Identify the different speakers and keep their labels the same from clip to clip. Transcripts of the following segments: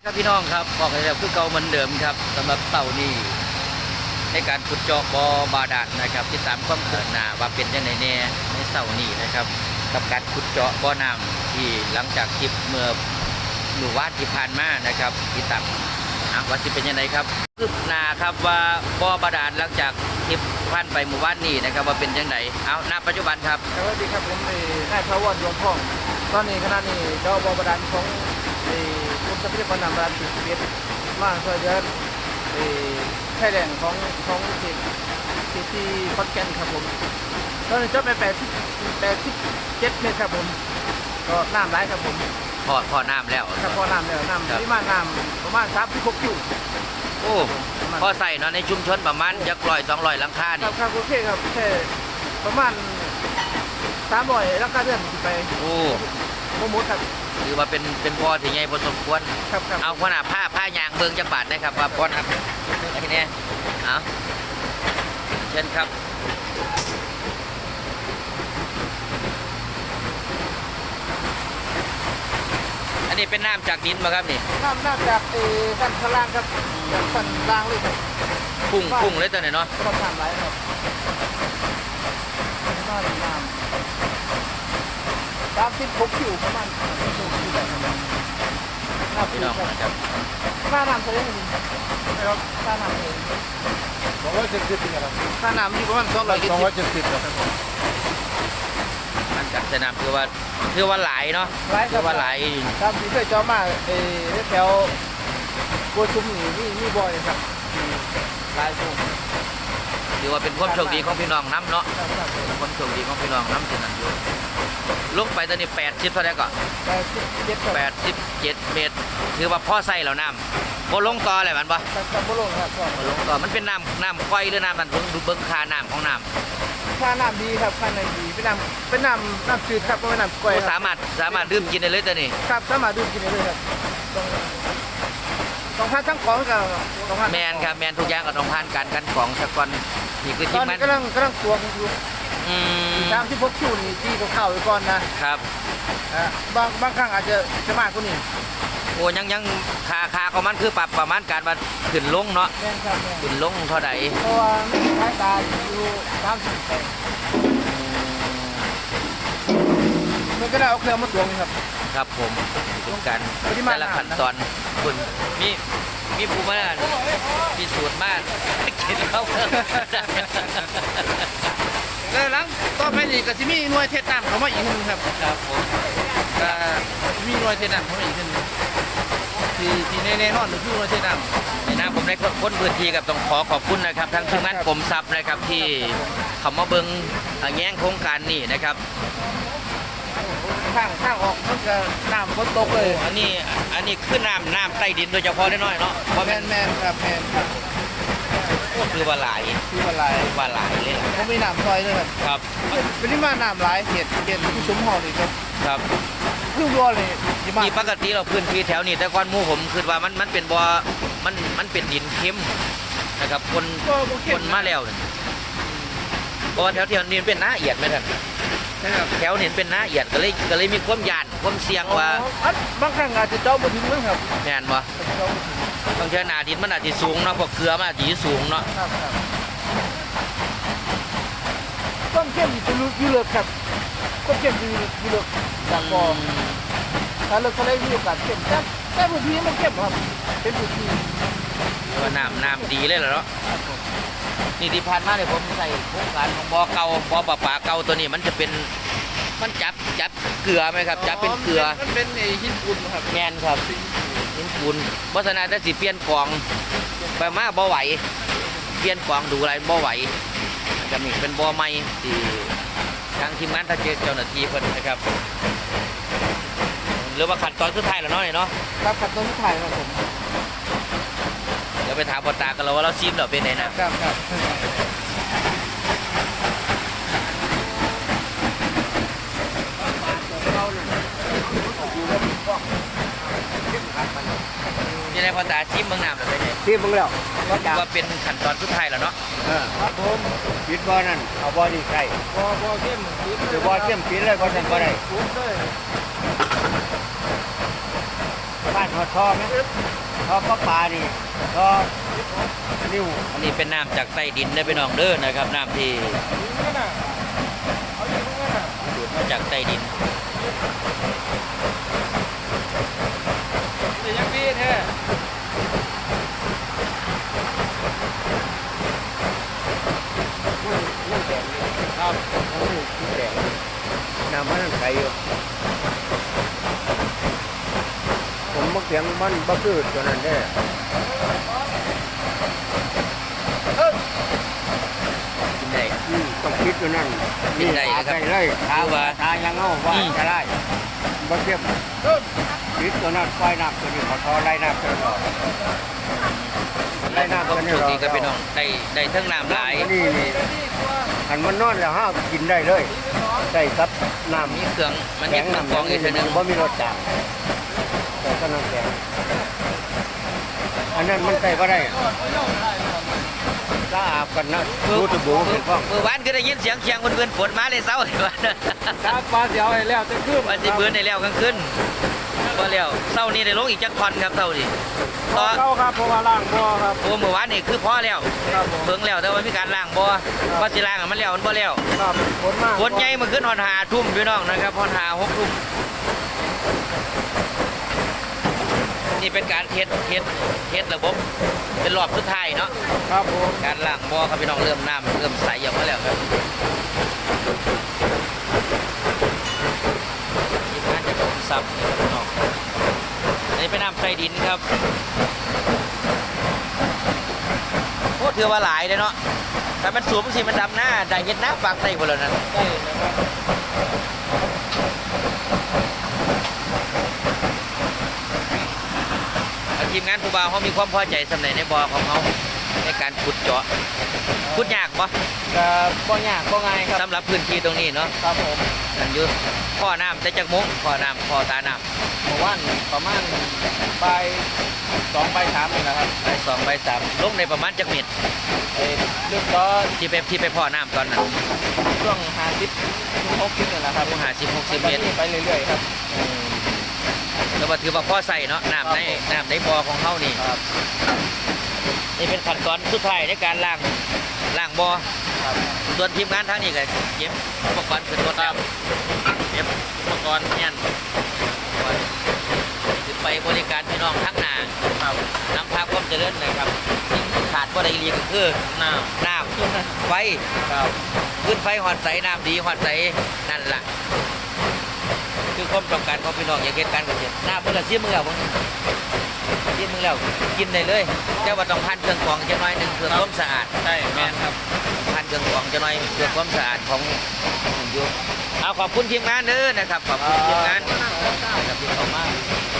Speaker 1: ครับพี่น้องครับบอกเลยคือเก่าเหมือนเดิมครับสำหรับเสาร์นี้ในการขุดเจาะบ่อบาดาลนะครับติดตามความคืบหน้าว่าเป็นยังไงแน่ในเสาร์นี้นะครับกับการขุดเจาะบ่อน้ำที่หลังจากคลิปเมื่อวานที่ผ่านมานะครับติดตามว่าจะเป็นยังไงครับคืบหน้าครับว่าบ่อบาดาลหลังจากคลิปผ่านไปเมื่อวานนี้นะครับว่าเป็นยังไงเอาณปัจจุบันครับ
Speaker 2: สวัสดีครับผมนายพระวรดวงพ่องตอนนี้ขณะนี้เจ้าบ่อบาดาลของกรมทรัพยากรน้ำบาดาล11มาช่วยเหลือแค่แหล่งของเขตที่ขอนแก่นครับผมตอนนี้เจาะไป87เมตรครับผมก็น้ำไหลครับผม
Speaker 1: พอน้ำแล้ว
Speaker 2: ครับพอน้ำแล้วน้ำปริมาณน้ำประมาณ36คิว
Speaker 1: โอ้พอใส่เนาะในชุมชนประมาณจัก100-200หลังคานี่
Speaker 2: ครับโอเคครับแค่ประมาณ300หลังคาเรือนไป
Speaker 1: โอ้
Speaker 2: โมดครับ
Speaker 1: หรือว่าเป็นพอที่ใหญ่พอสมควรเอาขนาดผ้ายางเบิ่งจักบาทได้ครับว่าพอครับทีนี้เอาเช่นครับอันนี้เป็นน้ำจากดินมาครับนี่
Speaker 2: น้ำจากด้านข้างล่างครับจากฝั่งล่างเลยครับ
Speaker 1: พุ่งเลยตัวไหนเนาะ
Speaker 2: ประมาณไหลครับน้ำ36คิวประมาณ36คิวแบบนั้น
Speaker 1: พี่น้องนะครับ
Speaker 2: ค่าน้ำเท่าไหร่ครับค่าน้ำเอง
Speaker 3: 270ครับ
Speaker 2: ค่าน้ำอยู่ประมาณ
Speaker 3: 270ครับ
Speaker 1: มันจากสนามคือว่าหลายเนาะคือว่าหลาย
Speaker 2: ครับที่เคยเจาะมาแถวโกชุมนี่มีบ่อยครับหลายช่วง
Speaker 1: ถือว่าเป็นความโชคดีของพี่น้องน้ำเนาะความโชคดีของพี่น้องน้ำที่นั่นอยู่ลงไปตอนนี้80เท่าไหร่ก่อน87เมตรถือว่าพ่อใส่แล้วน้ำโบลงต่ออะไรมันบ่
Speaker 2: โบลงครับ
Speaker 1: โบลงต่อมันเป็นน้ำค่อยหรือน้ำมันดูเบิ้งค่าน้ำของน้ำ
Speaker 2: ค่าน้ำดีครับค่าน้ำดีเป็นน้ำจืดครับไม่น้ำกล้วย
Speaker 1: สามารถดื่มกินได้เลยตัวนี้
Speaker 2: ครับสามารถดื่มกินได้เลยครับต้องผ่านทั้งของกับ
Speaker 1: แมนครับแมนทุกอย่างก็ต้องผ่านการกันของสักก่อนนี่คือ
Speaker 2: ที่มันกำลังตวงอยู่36คิวนี่ที่เข้าไปก่อน
Speaker 1: นะครับ
Speaker 2: บางครั้งอาจจะมากกว่านี้
Speaker 1: โอ้ยังค่าของมันคือปรับประมาณการว่าขึ้นลงเนาะขึ้นลงเท่าไหร่
Speaker 2: เพราะว่าสายตาอยู่30มันก็ได้เอาเครื่องมาตวงครับ
Speaker 1: ครับผมทุกการแต่ละขั้นตอนคุณมีภูมิมามีสูตรมากกินแล้ว
Speaker 2: แล้วหลังต่อไปนี่ก็จะมีหน่วยเทศน้ำเข้ามาอีกนึงครับ
Speaker 1: ครับผม
Speaker 2: มีหน่วยเทศน้ำเข้ามาอีกนึงที่แน่นอนคือหน่วยเทศน้ำ
Speaker 1: ในน้ำผมได้พ้นพื้นที่กับต้องขอบคุณนะครับทั้งทีมงานกรมทรัพย์นะครับที่เขามาเบิ้งแง่งโครงการนี้นะครับ
Speaker 2: ข้างออกมันก็น้ำฝนตกเลย
Speaker 1: อันนี้คือน้ำใต้ดินโดยเฉพาะน้อยเนาะ
Speaker 2: แมนครับแมนครับ
Speaker 1: คือว่าหลายเลย
Speaker 2: เขามีน้ำซอยด้วย
Speaker 1: ครับ
Speaker 2: เป็นที่มาน้ำหลายเห็ดที่ซุ้มห่อนี่
Speaker 1: ครับ
Speaker 2: คือบัวเลย
Speaker 1: ที่ปกติเราพื้นที่แถวนี้แต่ก่อนหมู่ผมคือว่ามันเป็นบัวมันเป็นดินเค็มนะครับคนมาแล้วเพราะว่าแถวนี้เป็นน้าเอียดไหมท่านแถวนี้เป็นน้าเอียดก็เลยมีความยานความเสี่ยงว่า
Speaker 2: บางครั้งอาจจะเจ้าบนดินมั้งครับ
Speaker 1: แน่นบ่บางทีหนาดินมันอาจจะสูงเนาะพวกเกลือมันอาจจะสูงเนาะ
Speaker 2: ต้นเข้มอยู่เลือกครับต้นเข้มอยู่เลือกจากบ่อถ้าเลือกทะเลมีโอกาสเข้มแต่พื้นที่มันเข้มครับเป็นพื้นที่
Speaker 1: ว่าน้ำดีเลยเหรอเนาะนี่ที่ผ่านมาเนี่ยผมใส่โครงการของบ่อเก่าบ่อปลาปลาเก่าตัวนี้มันจะเป็นมันจับเกลือไหมครับจับเป็นเกลือ
Speaker 2: มันเป็นหินปูนครับ
Speaker 1: แมนครับหินปูนเพราะฉะนั้นถ้าสิเปลี่ยนกองไปมาบ่ไหวเปลี่ยนกองดูอะไรบ่ไหวจะมีเป็นบ่อใหม่ที่ทางทีมงานทางเจ้าหน้าที่เพิ่นนะครับหรือว่าขั้นตอนสุดท้ายแล้วเนาะเนาะ
Speaker 2: ครับขั้นตอนสุดท้ายครับผม
Speaker 1: เดี๋ยวไปถามปตากันแล้วว่าเราซิมเราเป็นไง
Speaker 2: นะครับ
Speaker 1: ยังไงพอตาซิมเมืองน้ำเราเป็นไง
Speaker 2: ซิมเมืองแล้ว
Speaker 1: ว่าเป็นขั้นตอนสุดท้ายแล้วเนาะ
Speaker 3: ครับผมปิดบ่อนั่นเอาบ่อดีใกล้
Speaker 2: บ่เข้ม
Speaker 3: หรือบ่อเข้มปิดเลยบ่สั่นบ่ได้บ้านหอดท่อไหมท่อประปานี่ท่อนิ้ว
Speaker 1: อันนี้เป็นน้ำจากใต้ดินได้อพี่น้องเด้อนะครับน้ำที่ดูดมาจากใต้ดิน
Speaker 2: แต่ยังดีแท้
Speaker 3: นั่นแดงนี่ครับนี่แดงน้ำมันใสอยู่ผมมักเสียงมันบักคือตัวนั้นแน่
Speaker 1: กินได้
Speaker 3: ต้องคิดตัวนั้น
Speaker 1: กินได้นะครับ
Speaker 3: ได้เลยทา
Speaker 1: คือว่า
Speaker 3: ทายังเอาว่า
Speaker 1: อืม
Speaker 3: จะได้บักเทียบคิดตัวนั้นปล่อยน้ำตัวนี้ขอทอไล่น้ำตัวนี้ไล่น้ำ
Speaker 1: ก็
Speaker 3: ตัวนี้
Speaker 1: โชค
Speaker 3: รอ
Speaker 1: ดีกับพี่น้องได้ทั้งน้ำหลาย
Speaker 3: นี่อันมันนอนแล้วห้ากินได้เลยได้ครับน้ำ
Speaker 1: มีเครื่องมันมี
Speaker 3: แข็ง
Speaker 1: เครื่อง
Speaker 3: น้ำ
Speaker 1: กรองอีกทีหนึง
Speaker 3: บ่มีรสจัดแต่ก็น้ำแข็งอันนั้นมันใส่ก็ได้ถ้าอาบกันนะดูตะบูเป็นฟ้อง
Speaker 1: เมื่อวานก็ได้ยินเสียงเชียงเพื่อนๆฝนมาเลยเศร้าเลยว่า
Speaker 2: ครับปลาเสียวให้แล้วจะคืบ
Speaker 1: วันที่เบื่อในแล้วกลางคืนก็แล้วเศร้านี่ได้ลงอีกจักคอนครับเศร้านี่
Speaker 2: ต่
Speaker 1: ต่
Speaker 2: อ
Speaker 1: อ
Speaker 2: เข้าครับเพราะว่าล่างบ่อครับ
Speaker 1: โอ้เมื่อวานนี่คือพอแล้ว
Speaker 2: ครับผม
Speaker 1: เพิ่งแล้วแต่ว่ามีการล้างบ่ว่าสิล้างอะมันแล้วมันบ่แล้ว
Speaker 2: ครับฝนมาก
Speaker 1: ฝนใหญ่มาขึ้นหอนหาทุ่มพี่น้องนะครับหอนหา6 ทุ่มนี่เป็นการเทสระบบเป็นรอบสุดท้ายเนาะ
Speaker 2: ครับผม
Speaker 1: การล้างบ่อครับพี่น้องเริ่มน้ำเริ่มใสออกมาแล้วครับทีมงานจะกรมทรัพย์นี่ครับพี่น้องอันนี้เป็นน้ำใต้ดินครับโอ้ถือว่าหลายเลยเนาะแต่มันสูงสิมันดำหน้าได้เห็นหน้าปากใต้หมดแล้วนั่น
Speaker 2: ได้นะครับ
Speaker 1: ทีมงานผู้บ่าวเขามีความพอใจสำเร็จในบ่อของเขาในการขุดเจาะขุดยากปะ
Speaker 2: ก็บ่ยากบ่ง่ายครับ
Speaker 1: สำหรับพื้นที่ตรงนี้เนาะ
Speaker 2: ครับผม
Speaker 1: นั่นอยู่พ่อน้ำแต่จากมุ้งพ่อน้ำพ่อตาน้
Speaker 2: เมื่อวานประมาณบ่าย2บ่าย3นี่แหละครับ
Speaker 1: ำไป2 ไป 3ลงในประมาณจักเม็ด
Speaker 2: ลึกก็
Speaker 1: ที่ไปพ่อน้ำตอนนั้น
Speaker 2: ช่วง50ถึง60นี่แหละครับ
Speaker 1: ลง50-60 เมตร
Speaker 2: ไปเรื่อยๆครับ
Speaker 1: แล้วก็ถือว่าพ่อใส่เนาะน้ำในบ่อของเขานี่
Speaker 2: ครับ
Speaker 1: นี่เป็นขั้นตอนสุดท้ายในการล้างบ่อ
Speaker 2: ครับ
Speaker 1: ส่วนทีมงานทางนี้ก็เก็บอุปกรณ์ขึ้นรถแล้วเก็บอุปกรณ์เนี่ยคือไปบริการพี่น้องทั้งหน้า
Speaker 2: ครับ
Speaker 1: นำพาความเจริญนะครับสิ่งที่ขาดบ่ได้อีหลีก็คือน้ำไฟ
Speaker 2: ครับ
Speaker 1: ขึ้นไฟหอดใสน้ำดีหอดใสนั่นล่ะคือความต้องการของพี่น้องอยากเห็นการเกษตรน้ำเพื่อเสียมือแล้วมึงเสียมือแล้วกินได้เลยแต่ว่าต้องพันเครื่องกรองจะน้อยหนึ่งเพื่อความสะอาด
Speaker 2: ใช่แม่นครับ
Speaker 1: พันเครื่องกรองจะน้อยเพื่อความสะอาดของอยู่เอาขอบคุณทีมงานเด้อนะครับขอบคุณทีมงานนะครับที่เข้ามา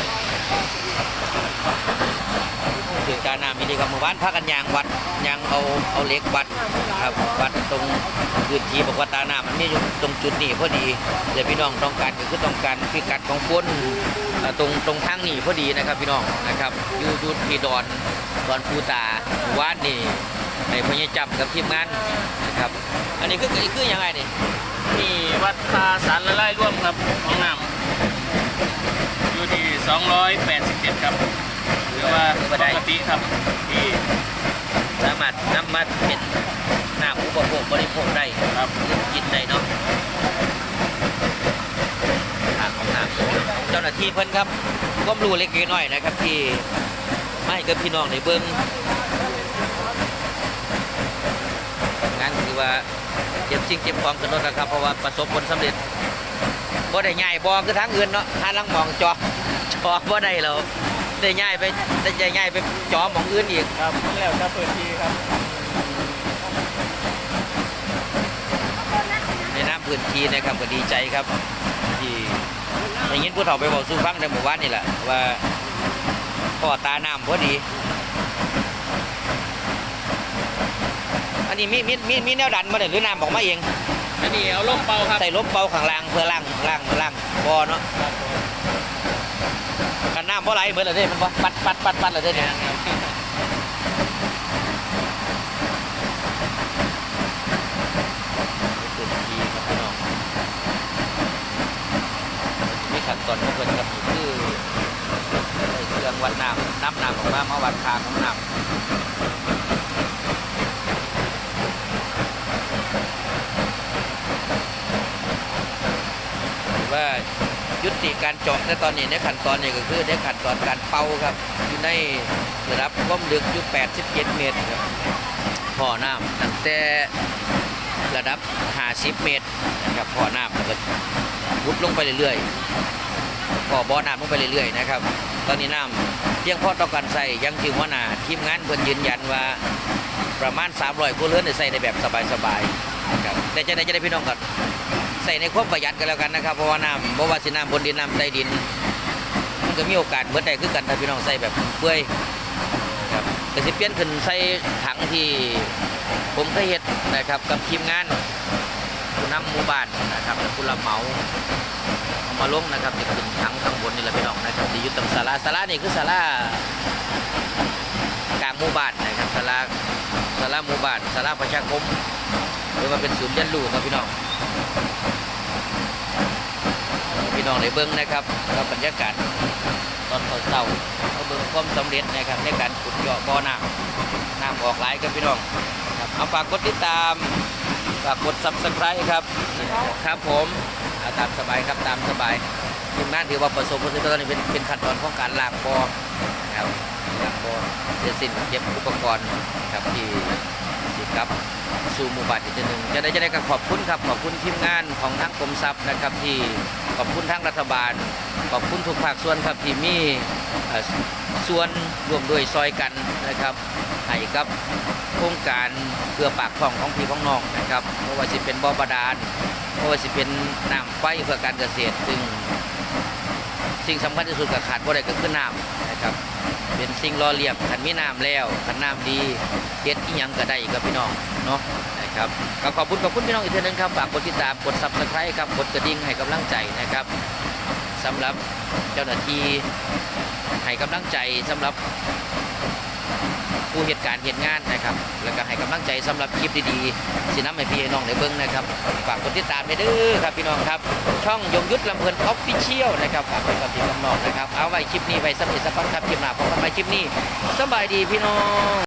Speaker 1: ถึงการน้ำมีดีกับหมู่บ้านพักกันยางวัดยางเอาเหล็กวัดครับวัดตรงพื้นที่บอกว่าตาน้ำมันมีอยู่ตรงจุดนี้พอดีเดี๋ยวพี่น้องต้องการก็คือต้องการพิกัดของคนตรงทางนี้พอดีนะครับพี่น้องนะครับอยู่ที่ดอนภูตาวัดนี่ในพญาจับกับทีมงานนะครับ อันนี้คือยังไงนี่
Speaker 2: นี่วัดตาสารละลายร่วมครับของน้ำอยู่ที่287ครับหรือว่าปกติครับที่
Speaker 1: สามารถนำมาเป็นน้ำอุปโภคบริโภคได้
Speaker 2: ครับ
Speaker 1: กินได้เนาะทางของน้ำเจ้าหน้าที่เพิ่นครับความรู้เล็กน้อยนะครับที่ไม่กับพี่น้องในเบิ้งงานคือว่าเก็บสิ่งเก็บของกันรถนะครับเพราะว่าประสบผลสำเร็จบ่ได้ง่ายบ่คือทางอื่นเนาะหาลังหมองจอบ่ได้แล้วได้ง่ายไปจอหมองอื่นอีก
Speaker 2: ครับแล้วจะเปิดทีครับ
Speaker 1: ในน้ำพื้นที่นะครับก็ดีใจครับที่ได้ยินผู้เฒ่าไปบอกสู่ฟังในหมู่บ้านนี่แหละว่าพ่อตาน้ำพอดี อันนี้มีแนวดันมาเนี่ยหรือน้ำออกมาเอง
Speaker 2: อันนี้เอาลงเป่าครับ
Speaker 1: ใส่ลมเป่าข้างล่างเพื่อล่างบ่อเนาะกันน้ำเพราะไรเหมือนอะไรมันปัดเลยเนี่ยพื้นที่ครับพี่น้องมีขั้นตอนของเพิ่นครับคือเครื่องวัดน้ำน้ำออกมาวัดค่าของน้ำว่ายุติการเจาะในตอนนี้ในขั้นตอนนี้ก็คือในขั้นตอนการเป่าครับอยู่ในระดับความลึกอยู่87 เมตรครับพ่อน้ำตั้งแต่ระดับ50 เมตรนะครับพ่อน้ำแล้วก็วุดลงไปเรื่อยๆบ่อน้ำลงไปเรื่อยๆนะครับตอนนี้น้ำเพียงพอต่อการใส่ยังถือว่านาทีมงานเพิ่นยืนยันว่าประมาณ300ครัวเรือนได้ใส่ได้แบบสบายๆนะครับแต่จะได้พี่น้องกันใส่ในความประหยัดกันแล้วกันนะครับเพราะว่าน้ำบ่ว่าสิน้ำบนดินน้ำใต้ดินมันก็มีโอกาสเหมือนได้คือกันถ้าพี่น้องใส่แบบเปื่อยครับแต่สิเปลี่ยนขึ้นใส่ถังที่ผมเคยเฮ็ดนะครับกับทีมงานผู้นำหมู่บ้านนะครับและผู้รับเหมาเอามาลงนะครับจะขึ้นถังข้างบนนี่แหละพี่น้องนะครับที่อยู่ตรงศาลานี่คือศาลากลางหมู่บ้านนะครับศาลาหมู่บ้านศาลาประชาคมหรือว่าเป็นศูนย์เรียนรู้ครับพี่น้องในเบื้องนะครับกับบรรยากาศตอนเช้าเอาเบื้องความสำเร็จนะครับในการขุดเจาะบ่อน้ำออกหลายครับพี่น้องครับเอาฝากกดติดตามฝากกด Subscribe ครับผมเอาตามสบายครับตามสบายทีมงานถือว่าประสบผลสำเร็จตอนนี้เป็นขั้นตอนของการล้างบ่อนะครับล้างบ่อเสร็จสิ้นเก็บอุปกรณ์ครับที่สิครับสู่หมู่บ้านอีกทีหนึ่งจะได้ก็ขอบคุณครับขอบคุณทีมงานของทางกรมทรัพย์นะครับที่ขอบคุณทางรัฐบาลขอบคุณทุกภาคส่วนครับที่มีส่วนร่วมด้วยซอยกันนะครับให้กับโครงการเพื่อปากท้องของพี่ของน้องนะครับเพราะว่าจะเป็นบ่อบาดาลเพราะว่าจะเป็นน้ำไฟเพื่อการเกษตรซึ่งสิ่งสำคัญที่สุดกับขาดบ่ได้ก็คือน้ำนะครับเป็นสิ่งรอเลี้ยงขันมีน้ำแล้วขันน้ำดีเฮ็ดอีหยังก็ได้กับพี่น้องเนาะนะครับก็ขอบคุณพี่น้องอีกทีนึงครับฝากกดติดตามกด Subscribe ครับกดกระดิ่งให้กำลังใจนะครับสำหรับเจ้าหน้าที่ให้กำลังใจสำหรับผู้เหตุการณ์เหตุงานนะครับแล้วก็ให้กำลังใจสำหรับคลิปดีๆสิน้ำให้พี่น้องได้เบิ่งนะครับฝากกดติดตามไปเด้อครับพี่น้องครับช่องยงยุทธลำเพลินออฟฟิเชียลนะครับฝากไว้กับพี่น้องนะครับเอาไว้คลิปนี้ไว้สำหรับสักวันครับคลิปหน้าพบกันใหม่คลิปนี้สบายดีพี่น้อง